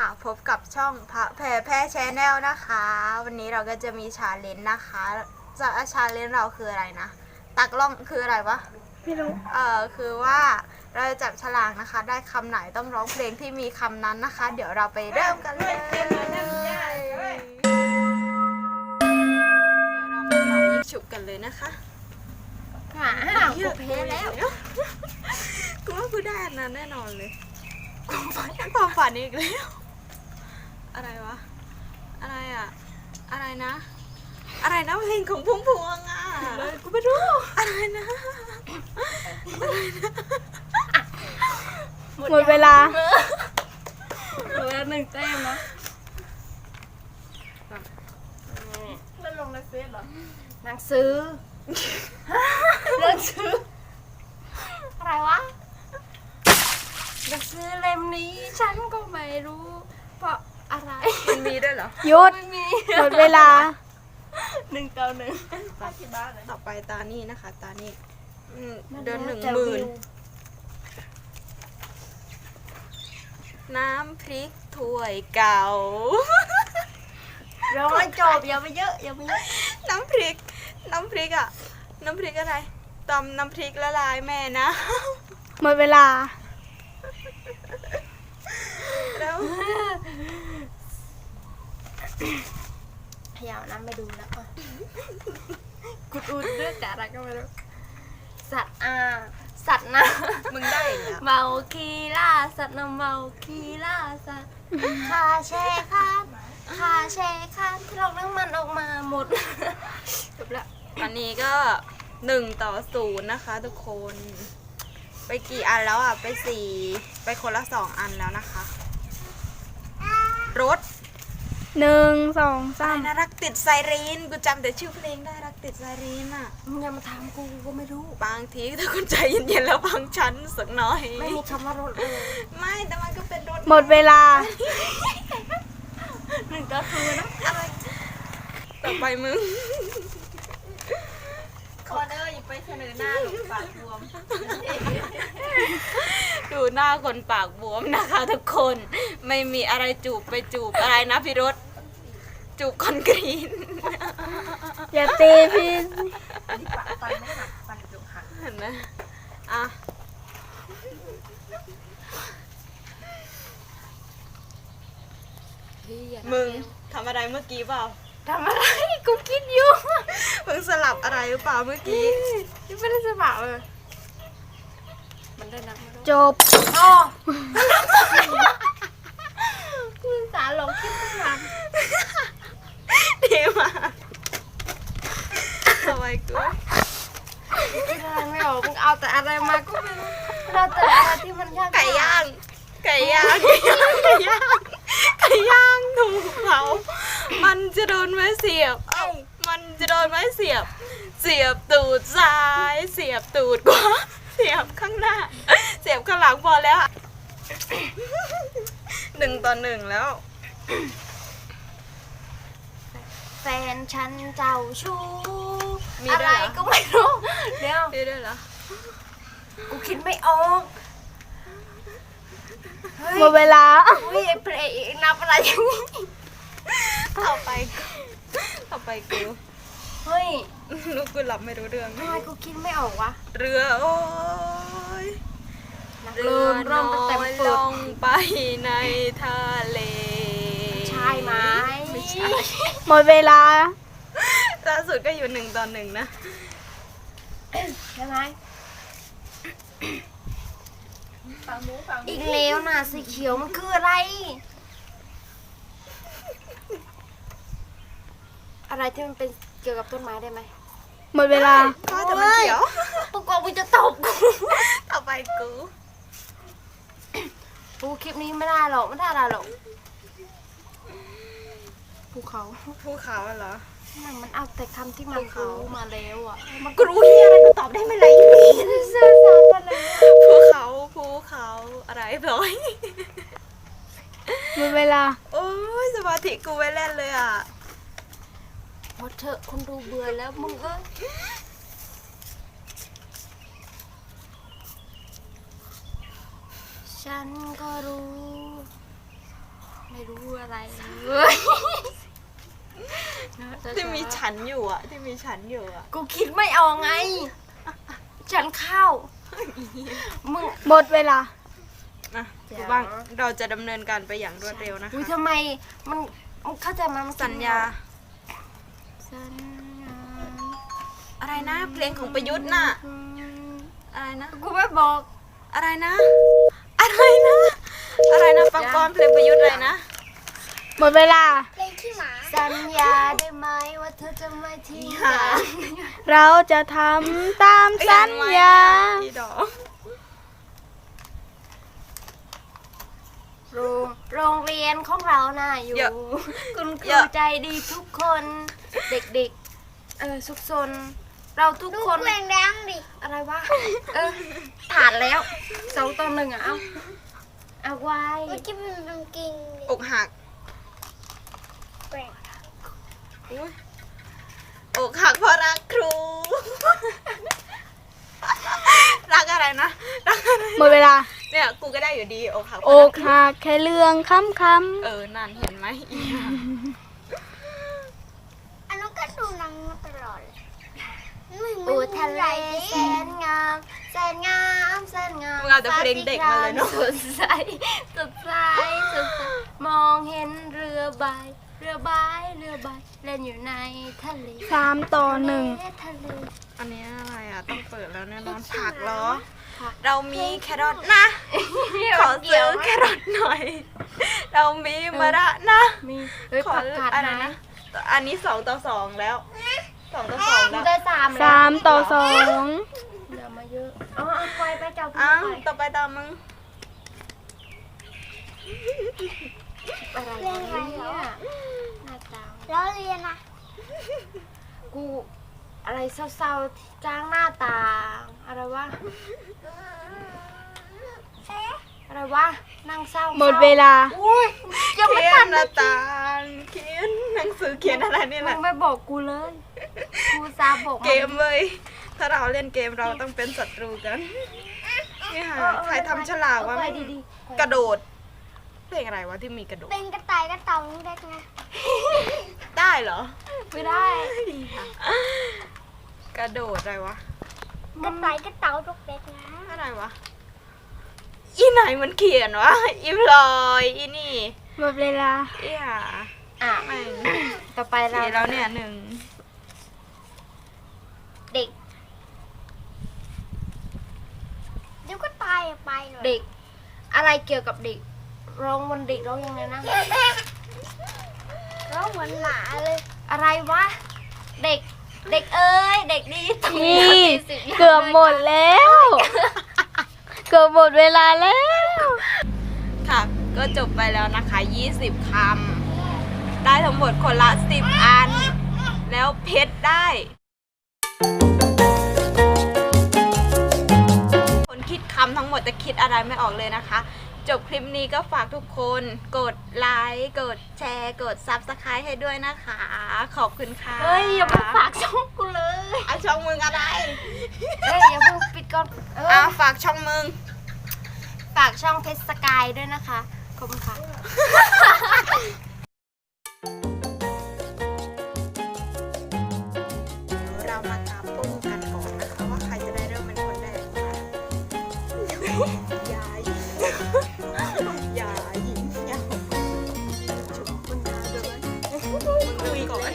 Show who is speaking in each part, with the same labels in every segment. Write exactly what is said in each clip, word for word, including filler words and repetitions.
Speaker 1: ค่ะพบกับช่องพระแพรแพร่แชนแนลนะคะวันนี้เราก็จะมีชาเลนจ์นะคะจะชาเลนจ์เราคืออะไรนะตักล่องคืออะไรวะไม่รู้เออคือว่าเราจะจับฉลากนะคะได้คำไหนต้องร้องเพลงที่มีคำนั้นนะคะเดี๋ยวเราไปเริ่มกันเลยเดี๋ยวเรามาเป่ายิงฉุบกันเลยนะคะหากูเพลแล้วกูว่ากูได้อันนั้นแน่นอนเลยความฝันความฝันอีกแล้วอะไรวะอะไรอะอะไรนะอะไรนะเพลงของพุ่มพวงอะเลยกูไม่รู้อะไรนะอะไรนะ
Speaker 2: หมดเวลา
Speaker 1: หมดเวลาหนึ่งแต้มนะเล่นลงในเฟซเหรอ
Speaker 2: หนังสือหนังสืออะไรวะหนังสือเล่มนี้ฉันก็ไม่รู้เพราะอะไร
Speaker 1: มันมีด้วยเหรอ
Speaker 2: หยุดหมดเวลา
Speaker 1: หนึ่งต่อหนึ่งต่อไปตานี่นะคะตานี่เดินหนึ่งหมื่นน้ำพริกถ้วยเก่า
Speaker 2: ร้อยจบอย่าไปเยอะอย่าไปเยอะ
Speaker 1: น้ำพริกน้ำพริกอะน้ำพริกอะไรตำน้ำพริกละลายแม่นะ
Speaker 2: หมดเวลา
Speaker 1: แล้ว
Speaker 2: พยายามน้ำไปดูแล้วอ่ะกุดอุดเรื่องแต่อะไรก็ไม่รู้สัตว์อ่าสัตว์นะ
Speaker 1: มึงได้แล้ว
Speaker 2: เมาคีล่าสัตว์นะเมาคีล่าสัตว์คาแช่ข้ามคาแช่ข้ามที่เราเรื่องมันออกมาหมดจบแล้ว
Speaker 1: อันนี้ก็หนึ่งต่อศูนย์นะคะทุกคนไปกี่อันแล้วอ่ะไปสี่ไปคนละสองอันแล้วนะคะรถ
Speaker 2: หนึ่งสองสาม
Speaker 1: น่ารักติดไซรีนกูจำแต่ชื่อเพลงได้รักติดไซรีนอ่ะ
Speaker 2: มึงอย่ามาถามกูก็ไม่รู้
Speaker 1: บางทีถ้าคุณใจเย็นๆแล้วฟังฉันสักน้อย
Speaker 2: ไม่มีคำว่ารถเลย
Speaker 1: ไม่แต่มันก็เป็นรถ
Speaker 2: หมดเวลา
Speaker 1: หนึ่งต่อศูนย์นะต่อไปมึงคอนเนอร์อย่าไปเสนอหน้าหนูปากบวมดูหน้าคนปากบวมนะคะทุกคนไม่มีอะไรจูบไปจูบอะไรนะพี่รถจูบคอนกรีต
Speaker 2: อย่าตีพี่
Speaker 1: ฟันไม่หักฟันจุกหักเห็นไหมอ่ะมึงทำอะไรเมื่อกี้เปล่า
Speaker 2: ทำอะไรกูคิดอยู่
Speaker 1: มึงสลับอะไรหรือเปล่าเมื่อกี้
Speaker 2: ไม่ได้สลับเลยมันได้นับจบอ๋อคุณสาหลงคิดไม่ทัน
Speaker 1: ดีมากทำไมกู
Speaker 2: คิดอะไรไม่ออกมึงเอาแต่อะไรมาก็ไม่รู้เราแต่อะไรที่มันยาก
Speaker 1: ไก่ย่างไก่ย่างไก่ย่างไก่ย่างไก่ย่างถูกเผามันจะโดนไม้เสียบเอ้ามันจะโดนไม้เสียบเสียบตูดซ้ายเสียบตูดขวาเสียบข้างหน้าเสียบข้างหลังพอแล้วหนึ่งต่อหนึ่งแล้ว
Speaker 2: แฟนฉันเจ้าชู้อะไรก็ไม่รู้เดี๋ยว
Speaker 1: มีด้วยเหรอ
Speaker 2: กูคิดไม่ออกหมดเวลาเฮ้ยเพลงนับอะไรอย่างนี้
Speaker 1: ต่อไปต่อไปกู
Speaker 2: เฮ้ย
Speaker 1: ลูกกูหลับไม่รู้เรื่อง
Speaker 2: ทำไมกูคิดไม่ออกวะ
Speaker 1: เรือโอ้ย
Speaker 2: เรือน้อยล
Speaker 1: งไปในทะเล
Speaker 2: ใช่ไหม
Speaker 1: ไม่ใช่
Speaker 2: หมดเวลา
Speaker 1: ล่าสุดก็อยู่หนึ่งต่อหนึ่งนะ
Speaker 2: ใช่ไหมอีกแล้วนะสีเขียวมันคืออะไรอะไรที่มันเป็นเกี่ยวกับต้นไม้ได้ไหมหมดเวลา
Speaker 1: ก็แต่มันเขียว
Speaker 2: กูกลัวมึงจะตบกู
Speaker 1: ต่อไปกู
Speaker 2: กูคลิปนี้ไม่ได้หรอกไม่ได้อะไรหรอกภูเขา
Speaker 1: ภูเขาเหรอ
Speaker 2: มันเอาแต่คำที่มันรู้มาแล้วอ่ะ
Speaker 1: มันกูรู้เฮียอะไรกูตอบได้ไหมล่ะ
Speaker 2: เสื้อสารอะไร
Speaker 1: ภูเขาภูเขาอะไรร้อย
Speaker 2: หมดเวลา
Speaker 1: โอ้ยสมาธิกูไว้เล่นเลยอ่ะ
Speaker 2: พอเถอะคนดูเบื่อแล้วมึงเอ้ยฉันก็รู้ในรู้อะไรเลย
Speaker 1: ที่มีฉันอยู่อ่ะ ที่มีฉันอยู่อ่ะ
Speaker 2: กูคิดไม่ออกไง ฉันเข้ามึง
Speaker 3: หมดเวลา
Speaker 1: นะครูบ้างเราจะดำเนินการไปอย่างรวดเร็วนะคะ
Speaker 2: อุ้ยทำไมมันมันเข้าใจไหมมัน
Speaker 1: สัญญา
Speaker 2: สัญญา
Speaker 1: อะไรนะ เพลงของประยุทธ์น่ะ อะไรนะ
Speaker 2: กูไม่บอก
Speaker 1: อะไรนะ อะไรนะ อะไรนะฟังก่อนเพลงประยุทธ์อะไรนะ
Speaker 3: หมดเวลา
Speaker 2: สัญญาได้ไหมว่าเธอจะไม่ทิ้ง
Speaker 1: หา
Speaker 2: กัน
Speaker 3: เราจะทำตามสัญญา
Speaker 1: พี่ดอก
Speaker 2: โรงโรงเรียนของเราน่ะอยู่ คุณครูใจดีทุกคน เด็กๆ เออสุขสน เราทุกคน
Speaker 4: แรงแรงดิ
Speaker 2: อะไรวะ เออผ่านแล้วสองต่อหนึ่งอ่ะ เอาเอาไว้
Speaker 4: เมื่อกี้มันเป็นกิ่ง
Speaker 1: อกหัก
Speaker 4: แปลก
Speaker 1: อุ๊ยอกหักเพราะรักครู รักอะไรนะ รักอะไร
Speaker 3: หมดเวลา
Speaker 1: เนี่ยกูก็ได้อยู่ดีอกหักเพ
Speaker 3: อ
Speaker 1: ราะรั
Speaker 3: ก
Speaker 1: ครู
Speaker 3: หักแค่เรื่องคำค
Speaker 1: เออ นั่นเห็นไหมอีห่า
Speaker 4: อันนั้นก็ดูหนังมาตลอดเลยไม่เหมื
Speaker 2: ปู
Speaker 4: อน
Speaker 2: ทะเล
Speaker 4: ใหญ่
Speaker 2: แสนงามแสนงามแสนงาม
Speaker 1: มึงเอาแต่เพลงเด็กมาเลยเนาะ
Speaker 2: สดใสสดใสสดใสมองเห็นเรือใบ เรือใบเรือใบเล่นอยู่ในทะเล
Speaker 3: ำสามต่อหนึ่ง
Speaker 2: ทะเล
Speaker 1: อันนี้อะไรอ่ะ ต้องเปิดแล้วแน่นอนผักเหรอ
Speaker 2: ผัก
Speaker 1: เรามีแครอทนะ ขอซื้อแครอทหน่อย เรามีมะระนะ
Speaker 2: มีเฮ้ย
Speaker 1: ขอ
Speaker 2: ผักกาด
Speaker 1: อะไร
Speaker 2: ไหม
Speaker 1: นะ อันนี้สองต่อสองแล้วสองต่อสอง
Speaker 2: มึ
Speaker 1: แล้
Speaker 2: ง
Speaker 1: ว
Speaker 2: ได้สาม
Speaker 3: สามต่อสอง
Speaker 2: เดี๋ยวมาเยอะเอาเอาไปไปจับ
Speaker 1: อ้าว
Speaker 2: ไป
Speaker 1: ต่อไปตามมึง
Speaker 2: อะไรเนี่ยหน้าตา
Speaker 4: แล้วเรียนนะ
Speaker 2: กูอะไรเศร้าๆที่จ้างหน้าตา อะไรวะ อะไรวะ นั่งเศร้า
Speaker 3: หมดเวลา
Speaker 2: อุ้ยยังไม่
Speaker 1: เขีย
Speaker 2: ทั
Speaker 1: น
Speaker 2: น
Speaker 1: หน้าตางเขียนหนังสือเขียนอะไรเนี่ย
Speaker 2: มึ
Speaker 1: นะ
Speaker 2: งไม่บอกกูเลยกูซาบอก
Speaker 1: เกมเลย ถ้าเราเล่นเกมเราต้องเป็นศัตรูกันนี่ค่ะใครทำฉลากวะ
Speaker 2: ไป
Speaker 1: ไม่
Speaker 2: ดี
Speaker 1: กระโดดเพลงอะไรวะที่มีกระโดด
Speaker 4: เป็นกระต่ายกระเต่าเด็กไง
Speaker 1: ได้เหรอ
Speaker 2: ๆไม่ได้
Speaker 1: กระโดดอะไรวะ
Speaker 4: กระต่ายกระเต่าเด็กไง
Speaker 1: อะไรวะ อีไหนมันเขียนวะ อีพลอยอีนี่
Speaker 3: หมดเวลา
Speaker 1: อีห่า
Speaker 2: อ่ะ
Speaker 1: แม่ง
Speaker 2: ต่อไปเรา
Speaker 1: เขียนแล้วเนี่ยหนึ่ง
Speaker 2: เด็ก
Speaker 4: เดี๋ยวก็ตายไปเลย
Speaker 2: เด็ก อะไรเกี่ยวกับเด็กร้องวันเด็กร้องยังไงนะ
Speaker 4: แล้วเหมือนหมาเลย
Speaker 2: อะไรวะ เด็ก เด็กเอ้ย เด็กดีตรง
Speaker 3: นี่
Speaker 2: สี่สิบย่าง
Speaker 3: เกือบหมดแล้ว เกือบหมดเวลาแล้ว
Speaker 1: ค่ะ ก็จบไปแล้วนะคะยี่สิบคำ ได้ทั้งหมดคนละสิบอัน แล้วเพชรได้ คนคิดคำทั้งหมดจะคิดอะไรไม่ออกเลยนะคะ จบคลิปนี้ก็ฝากทุกคนกดไลค์กดแชร์กด ซับสไครบ์ ให้ด้วยนะคะ ขอบคุณค่ะ
Speaker 2: เฮ้ย อย่ามาฝากช่องกูเลย
Speaker 1: เอาช่องมึงอะไร
Speaker 2: เฮ้ย อย่าเพิ่งปิดก่อนเอ
Speaker 1: อ่ะ
Speaker 2: อ
Speaker 1: ฝากช่องมึง
Speaker 2: ฝากช่องเพชรสกายด้วยนะคะ ขอบคุณค่ะ
Speaker 1: เรามาตามตู้กันก่อนนะคะว่าใครจะได้เริ่มเป็นคนแรกค่ะยายยายหญิงยาวชุบคุณยายด้วยมึงคุยก่อน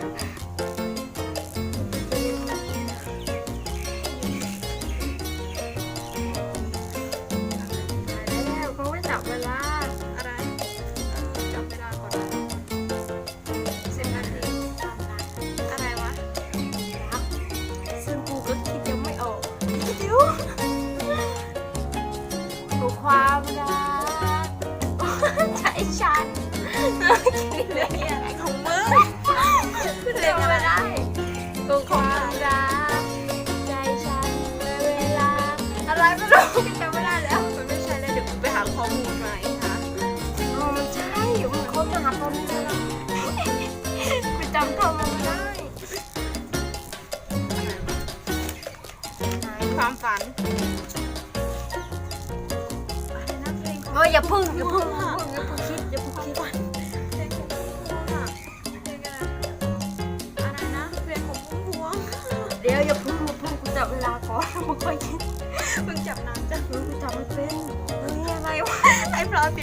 Speaker 2: แล้วเขาไม่จับเวลา
Speaker 1: อะไรจำไม่ได้ก่อน
Speaker 2: สิบนาทีตามนั้น
Speaker 1: อะไรวะ
Speaker 2: ครับซึ่งกูก็คิดยังไม่ออก
Speaker 1: เดี๋ยว
Speaker 2: กูความรักใช่ฉัน
Speaker 1: เรื่องนี้อะไรของมึง
Speaker 2: เรียกไม่ได้กูความรักใจฉันเวลา อะไรไม่รู้จำไม่ได้แล้ว
Speaker 1: มันไม่ใช่เลยเดี๋ยวกูไปหาข้อมูลมาอีกค่ะ
Speaker 2: อ๋อมันใช่มันค้นหาตอนนี้แล้วกูจำคำมันไม่ได้
Speaker 1: ความฝัน
Speaker 2: เฮ้ยอย่าพึ่งอย่าพึ่งอย่าพึ่งอย่าพึ่งคิดอย่าพึ่งคิดดี๋ยวอย่าพึ่งอย่าพึ่งกูจับเวลาก่อนมึงค่อยคิด
Speaker 1: มึงจับน้ำจ้ะ
Speaker 2: มึงกูจับไม่เป็นเฮ้ยอะไรวะ
Speaker 1: ไอ้พลอย